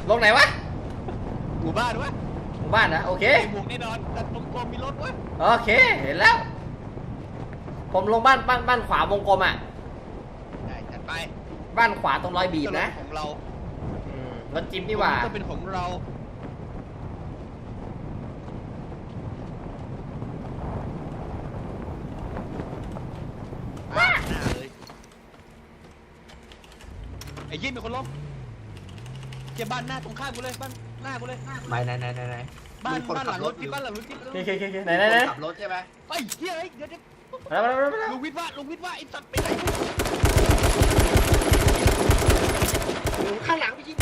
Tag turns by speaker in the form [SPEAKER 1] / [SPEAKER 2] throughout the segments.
[SPEAKER 1] ลงไหนวะ
[SPEAKER 2] หมู่บ้านวะ
[SPEAKER 1] หมู่บ้านนะโอเค
[SPEAKER 2] หมู่แน่นอนแต่ตรงกลมมีรถวะ
[SPEAKER 1] โอเคเห็นแล้ว ผมลงบ้านขวาวงกลมอ่ะ
[SPEAKER 2] ได้จัดไป
[SPEAKER 1] บ้านขวาตรงรอยบีบนะ
[SPEAKER 2] ของเรา
[SPEAKER 1] รถจิ๊บนี่หว่า
[SPEAKER 2] ก็เป็นของเราหน้าเลยไอ้ยี่มีคนล้มเก็บบ้านหน้าตรงข้ามกูเลยบ้านหน้ากูเลย
[SPEAKER 3] ไม่ไหน
[SPEAKER 2] บ้าน
[SPEAKER 3] มีคน
[SPEAKER 2] บ้านห
[SPEAKER 3] ขั
[SPEAKER 2] ลั
[SPEAKER 3] บ
[SPEAKER 2] ง
[SPEAKER 3] ร
[SPEAKER 2] ร
[SPEAKER 3] ถ
[SPEAKER 2] ถที่บ้านหลังรถที่
[SPEAKER 1] โอเคไหน
[SPEAKER 3] ขับรถใช่ไหม
[SPEAKER 2] ไปเฮียไอ้เดี๋ยว
[SPEAKER 1] มาแล้ว
[SPEAKER 2] ลุงวิทย์ว่าไอ้สัตว์ไปไหน
[SPEAKER 3] ข้างหลังพี่ยิง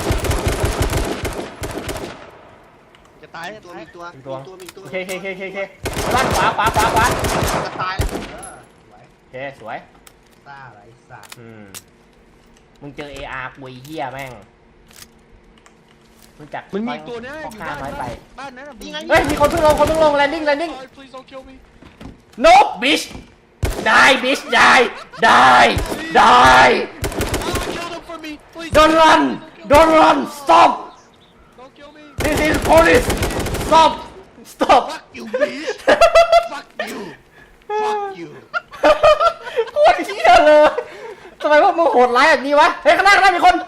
[SPEAKER 2] จะตาย
[SPEAKER 3] มี
[SPEAKER 2] จะ
[SPEAKER 3] ตัว
[SPEAKER 2] ตาย
[SPEAKER 3] มีตัว
[SPEAKER 1] โอเคบ้านขวา
[SPEAKER 3] จะตายแล้วสวย
[SPEAKER 1] โอเคสวย
[SPEAKER 3] ซ่าไรสัตว์
[SPEAKER 1] มึงเจอ AR กุยเหี้ยแม่งมึงจัก
[SPEAKER 2] มันมีตัวนี้
[SPEAKER 1] พ่
[SPEAKER 2] อ
[SPEAKER 1] อยู่ ค้า
[SPEAKER 2] บ้าน
[SPEAKER 1] น้อยไป
[SPEAKER 2] บ้านนั้นน่ะ
[SPEAKER 3] นี่ไง
[SPEAKER 1] เฮ้ยมีคนเพิ่งลงแลนดิ้ง
[SPEAKER 2] please don't kill me
[SPEAKER 1] no bitch die bitch die
[SPEAKER 2] kill them for me please
[SPEAKER 1] don't run stop
[SPEAKER 2] don't kill me
[SPEAKER 1] this is police stop
[SPEAKER 2] fuck you bitch fuck you
[SPEAKER 1] โคตรเหี้ยเลยทำไมพวกมึงโหดร้ายแบบนี้วะเฮ้ยข้างหน้ามีคน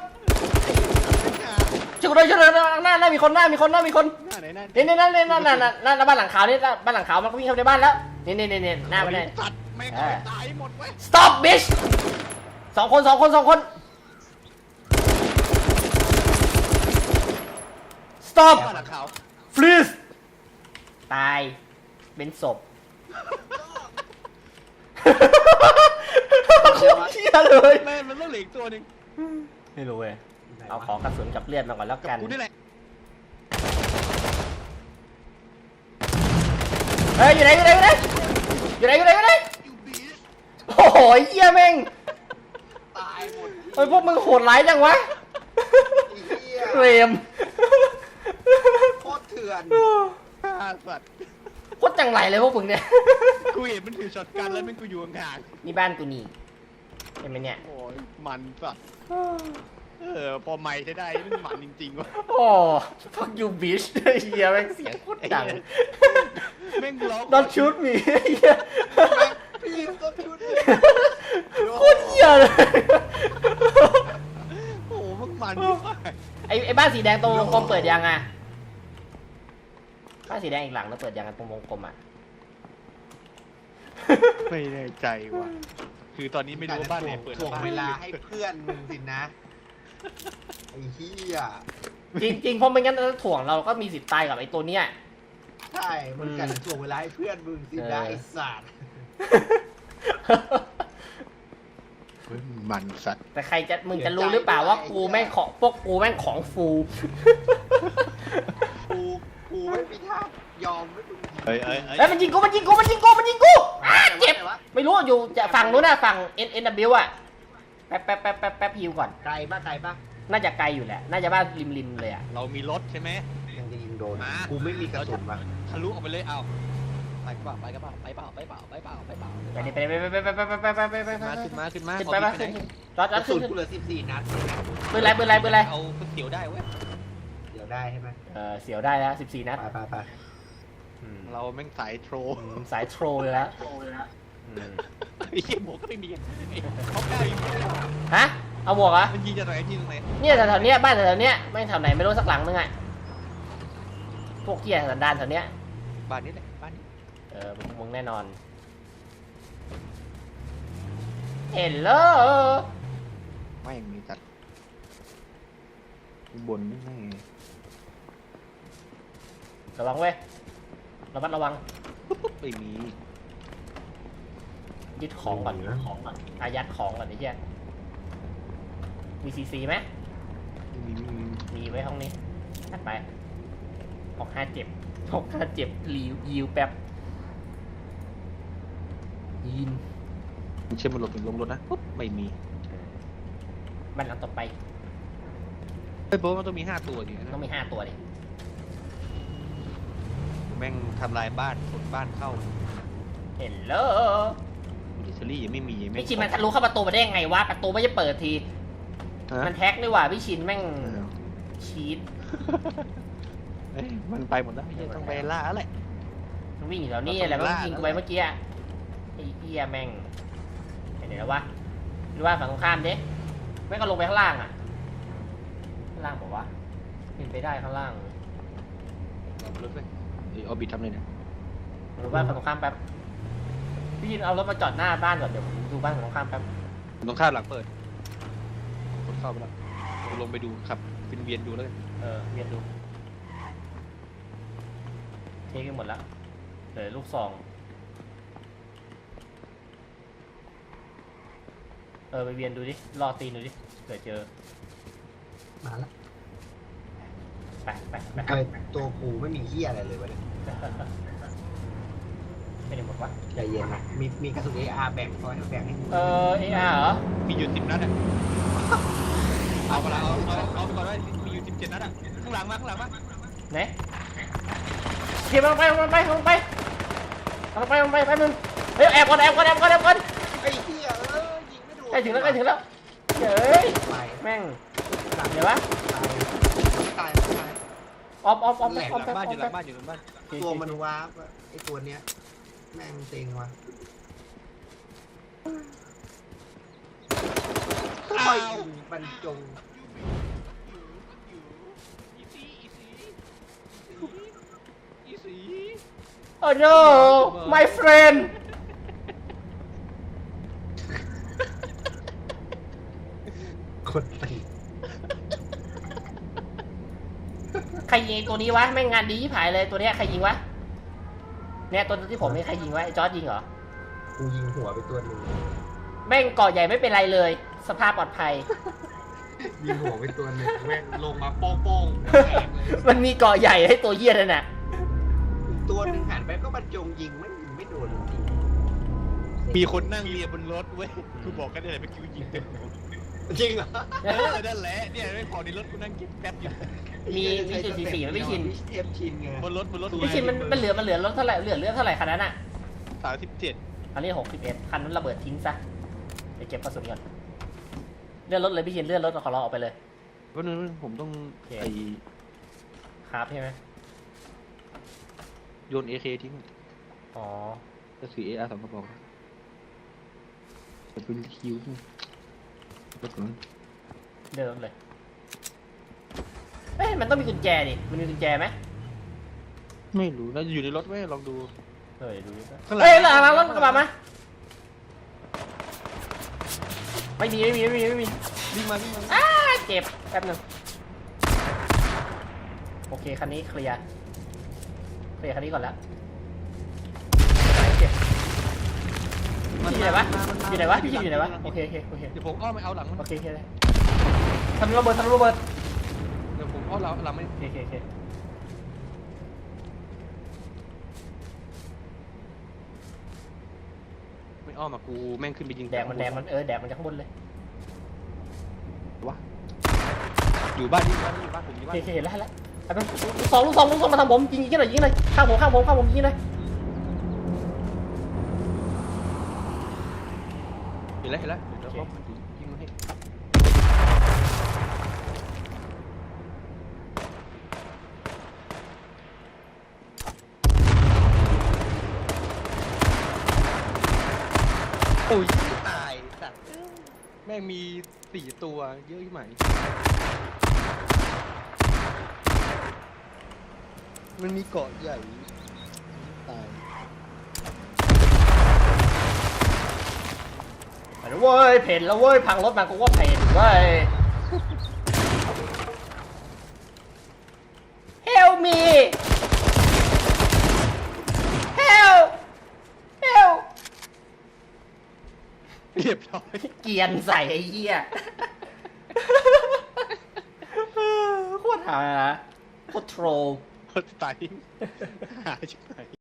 [SPEAKER 1] ช่วยด้วยหน้ามีคน
[SPEAKER 2] หน้าไหน
[SPEAKER 1] นี่
[SPEAKER 2] นั่น
[SPEAKER 1] บ้านหลังขาวนี่บ้านหลังขาวมันก็วิ่งเข้าในบ้านแล้วนี่หน้าไปเลย
[SPEAKER 2] สัตว์แม่งตายหมดเว้ย
[SPEAKER 1] stop bitch สองคนstop
[SPEAKER 2] บ้านหลังขาว
[SPEAKER 1] freeze ตายเป็นศพโคตรเหี้ยเลย
[SPEAKER 2] แม่มันต้องเหลืออีกตัวหนึ่ง
[SPEAKER 1] ไม่รู้เว้ยเอาของกระสุนกับเลือดมาก่อนแล้วกัน
[SPEAKER 2] กูนี่แหละ
[SPEAKER 1] เฮ้ยอยู่ไหนโอ้โหเหี้ยแม่ง
[SPEAKER 3] ตายหมด
[SPEAKER 1] เฮ้ยพวกมึงโหดร้ายจังวะ
[SPEAKER 3] เหี้ย
[SPEAKER 1] เรม
[SPEAKER 3] โคตรเถื่อน
[SPEAKER 2] ฆ่าสัตว์
[SPEAKER 1] โคตรจังไรเลยพวกมึงเนี่ย
[SPEAKER 2] กูเห็นมันถือช็อตกันแล้วมันกูอยู่ห่าง
[SPEAKER 1] นี่บ้านกูนี่เห็นไหมเนี่ย
[SPEAKER 2] ๆโอ้ยมันสัตว์พอไม่ใช้ได้มันมันจริงๆวะ
[SPEAKER 1] โอ้ fuck you bitch เฮียแม่งเสียงโคตรดัง
[SPEAKER 2] แม่งร้อง
[SPEAKER 1] Don't shoot me เฮีย
[SPEAKER 3] พี่ต้นชุด
[SPEAKER 1] โคตรเฮียเลย
[SPEAKER 2] โอ้โหมันมาก
[SPEAKER 1] ไอ้บ้านสีแดงตรงวงกลมเปิดยังอ่ะบ้านสีแดงอีกหลังแล้วเปิดยังตรงวงกลมอ่ะ
[SPEAKER 2] ไม่แน่ใจว่ะคือตอนนี้ไม่รู้ว่าบ้านไหนเปิด
[SPEAKER 3] ถ่วงเวลาให้เพื่อนมึงสินะไอ้เหี้ย
[SPEAKER 1] จริงเพราะไม่งั้นถ้าถ่วงเราก็มีสิทธิ์ตายกับไอ้ตัวเนี้ย
[SPEAKER 3] ใช่มึงกันถ่วงเวลาให้เพื่อนมึงสินะไอ้สัตว์
[SPEAKER 2] มันสัตว์
[SPEAKER 1] แต่ใครจะมึงจะรู้หรือเปล่าว่ากูแม่งของพวกกูแม่งของฟู
[SPEAKER 3] กูไม่มีท่ายอมไม่มึง
[SPEAKER 2] เฮ้ย
[SPEAKER 1] แล้วมันยิงกูอ้าเจ็บไม่รู้อยู่จะฝั่งนู้นนะฝั่ง NW อ่ะแป๊บฮิวก่อน
[SPEAKER 3] ไกลปะ
[SPEAKER 1] น่าจะไกลอยู่แหละน่าจะบ้านริมเลยอ่ะ
[SPEAKER 2] เรามีรถใช่ไหม
[SPEAKER 3] ยังจะยิงโดนกูไม่มีกระสุนว่ะ
[SPEAKER 2] ทะลุออกไปเลยเอาไปเปล่า
[SPEAKER 1] ไปดิไป
[SPEAKER 2] ขึ้นมา
[SPEAKER 1] ไป
[SPEAKER 2] ขึ้น
[SPEAKER 1] จอด
[SPEAKER 3] กระสุ
[SPEAKER 1] ขึ้
[SPEAKER 3] น
[SPEAKER 1] น
[SPEAKER 3] กูเหลือ14 นัด
[SPEAKER 1] ปืนไร
[SPEAKER 2] เอาก๋วยเตี๋ยวได้เว้ย
[SPEAKER 3] เดี๋ยวได้ใช่ไหม
[SPEAKER 1] เสียวได้แล้ว14 นัด
[SPEAKER 3] ไป
[SPEAKER 2] เราแม่งสายโทร
[SPEAKER 1] สายโทรเลยแล้ว
[SPEAKER 2] ไอ้เหี้ยหมวกก็ไม่มีเขากล้ายิง
[SPEAKER 1] ฮะเอาหมวกเหรอ
[SPEAKER 2] มันยิงจากไหนยิงตรงไหน
[SPEAKER 1] เนี่ยแถวๆเนี้ยบ้านแถวๆเนี้ยไม่แถวไหนไม่รู้สักหลังนึงอ่ะพวกเหี้ยสันดานแถวเนี้ย
[SPEAKER 2] บ้านนี้แหละบ้านนี้
[SPEAKER 1] มึงแน่นอนเห็นเลย
[SPEAKER 2] ไม่มีจัดบนนี่ไง
[SPEAKER 1] ระวังเว้ยระวัง
[SPEAKER 2] ไม่มี
[SPEAKER 1] ยึดของก่อนอายัดของก่อนไอ้เหี้ยมีซีไหม
[SPEAKER 2] ไม่มี
[SPEAKER 1] มีไว้ห้องนี้ถัดไป65 รียิวแป๊บยิน
[SPEAKER 2] เชื่อมันหลบถึงลงรถนะปุ๊บไม่มี
[SPEAKER 1] บ้านหลังต่อไป
[SPEAKER 2] เฮ้ยโบ๊ทมันต้องมี5ตัวอยู่นะ
[SPEAKER 1] ต้องมี5 ตัวดิ
[SPEAKER 2] แม่งทำลายบ้านขนบ้านเข้า
[SPEAKER 1] เห็นเลย
[SPEAKER 2] ดิสลี่ยังไม่มี
[SPEAKER 1] พี่ชินมันทะลุเข้าประตูมาได้ยังไงวะประตูไม่จะเปิดที มันแท็กนี่หว่าพี่ชินแม่งชีต
[SPEAKER 2] เอ้ยมันไปหมดแล้วไม่ต้องไปล่าอะไร
[SPEAKER 1] มันวิ่งอยู่แถวนี้แหละมันยิงกูไปเมื่อกี้อะไอ้เหี้ยแม่งไปไหนแล้ววะหรือว่าฝั่งตรงข้ามดิแม่งก็ลงไปข้างล่างอ่ะข้างล่างบอกว่าเป็นไปได้ข้างล่าง
[SPEAKER 2] รถไปเอาบิดทำเลยเนี่ย
[SPEAKER 1] หรือว่าฝั่งตรงข้ามแป๊บพี่ยินเอารถมาจอดหน้าบ้านก่อนเดี๋ยวผมดูบ้านฝั่งตรงข้ามแป๊บ
[SPEAKER 2] ตรงข้ามหลังเปิดคนเข้าไปแล้วลงไปดูครับเป็นเวียนดูแล้วกัน
[SPEAKER 1] เวียนดูเทกันหมดแล้วเหลือลูกซองไปเวียนดูดิรอตีนดูดิเผื่อเจอ
[SPEAKER 3] มาแล้ว
[SPEAKER 1] ไปไปไป
[SPEAKER 3] อะไรตัวกูไม่มีเหี้ยอะไรเลยวะเนี่ย
[SPEAKER 1] ไม่ได้หมดวะ
[SPEAKER 3] ใจเย็นนะมีกระสุน AR แบ่งคอยแบ่งให้กู
[SPEAKER 1] เออาร์เหรอ
[SPEAKER 2] มีอยู่10 นัดอ่ะเอาไปละเอาไปก่อนได้มีอยู่17 นัดอ่ะข้างหลังมา
[SPEAKER 1] ไหนเทียบลงไปแป๊บนึงเฮ้ยแอบก่อน
[SPEAKER 3] ไอ้เหี้ยยิงไม่ถูก
[SPEAKER 1] ใกล้ถึงแล้วเฮ้ย
[SPEAKER 3] ไป
[SPEAKER 1] แม่งเดี๋ยววะ
[SPEAKER 3] ตาย
[SPEAKER 1] ออฟ
[SPEAKER 2] หลังบ้านอยู่หลังบ้านอยู่หลังบ้าน
[SPEAKER 3] ตัวมันวาร์ปอะไอ้ตัวเนี้ยแม่งเต็งว่ะอ้าวบรรจง
[SPEAKER 2] อีสี
[SPEAKER 1] โอ้ no my friend
[SPEAKER 3] คนตี
[SPEAKER 1] ใครยิงตัวนี้วะแม่งงานดีที่ผายเลยตัวเนี้ยใครยิงวะเนี่ยตัวที่ผมนี่ใครยิงวะไอ้จอร์จยิงเหรอ
[SPEAKER 3] กูยิงหัวไปตัวหนึ่ง
[SPEAKER 1] แม่งเกาะใหญ่ไม่เป็นไรเลย สภาพปลอดภัย
[SPEAKER 3] ยิงหัวไปตัวหนึ่งแม่งลงมาโป้งแตกเลย
[SPEAKER 1] มันมีเกาะใหญ่ให้ตัวเหี้ยนั่นน่ะ
[SPEAKER 3] ตัวหนึ่งหันไปก็บรรจงยิงไม่โดนจริง
[SPEAKER 2] มีคนนั่งเรียบนรถเว้ยกูบอกกันได้เลยเมื่อกี้ยิงเต็มหัว
[SPEAKER 3] จริงเหรอ
[SPEAKER 2] นั่นแหละเนี่ยไม่พอในรถกูนั่งกินแป๊บอยู่
[SPEAKER 1] มีจุด44ไม่ชิน
[SPEAKER 3] เทปชินไง
[SPEAKER 2] บนรถ
[SPEAKER 1] พี่ชินมันเหลือรถเท่าไหร่เหลือเลือดเท่าไหร่คันนั้นอ่ะ
[SPEAKER 2] 37
[SPEAKER 1] อันนี้61คันนั้นระเบิดทิ้งซะไปเก็บกระสุนก่อนเลื่อนรถเลยพี่ชินเลื่อนรถขอเราออกไปเลย
[SPEAKER 2] วันนึงผมต้องไอ
[SPEAKER 1] ครับใช่ไหม
[SPEAKER 2] โยน AK ทิ้ง
[SPEAKER 1] อ๋อ
[SPEAKER 2] จะถือ AR 2 กระบอกจะเป็นคิวก็ถึง
[SPEAKER 1] เดิมเลยเอ้ยมันต้องมีกุญแจดิมันมีกุญแจไหม
[SPEAKER 2] ไม่รู้แล้วอยู่ในรถไหมลองดู
[SPEAKER 1] ดูดิ
[SPEAKER 2] ข้างหลัง
[SPEAKER 1] เฮ้ยหลังรถกระบะมาไม่มี
[SPEAKER 2] วิ่งมา
[SPEAKER 1] เจ็บแป๊บนึงโอเคคันนี้เคลียร์คันนี้ก่อนแล้วเจ็บพี่อยู่ไหนวะพี่อยู่ไหนวะโอเค
[SPEAKER 2] เดี๋ยวผมอ้อมไปเอาหลัง
[SPEAKER 1] โอเคเลยทำระเบิด
[SPEAKER 2] เดี๋ยวผมอ้อมหลังไม่
[SPEAKER 1] โอเค
[SPEAKER 2] ไม่อ้อมอ่ะกูแม่งขึ้นไปยิง
[SPEAKER 1] แดกมันแดกมันจากข้างบนเลย
[SPEAKER 2] วะอยู่บ้านนี่บ้านผมอยู่
[SPEAKER 1] โอ
[SPEAKER 2] บ้าน
[SPEAKER 1] เคเห็นแล้วไอ้เป็นลูกซองมาทางผมยิงหน่อยข้างผมยิงหน่อย
[SPEAKER 2] เห็นแล้วเดี๋ยวเขายิงมาให้โอ้ยตายสัตว์แม่งมี4 ตัวเยอะที่ไหนมันมีเกาะใหญ่ตาย
[SPEAKER 1] ไปแล้วเว้ยเพ่นแล้วเว้ยพังรถมากูว่าเพ่นเว้ย Help me Help
[SPEAKER 2] เรียบร้อย
[SPEAKER 1] เกียนใส่ไอ้เหี้ยโคตรหาโคตรโทร
[SPEAKER 2] โคตรตายหาชิบหาย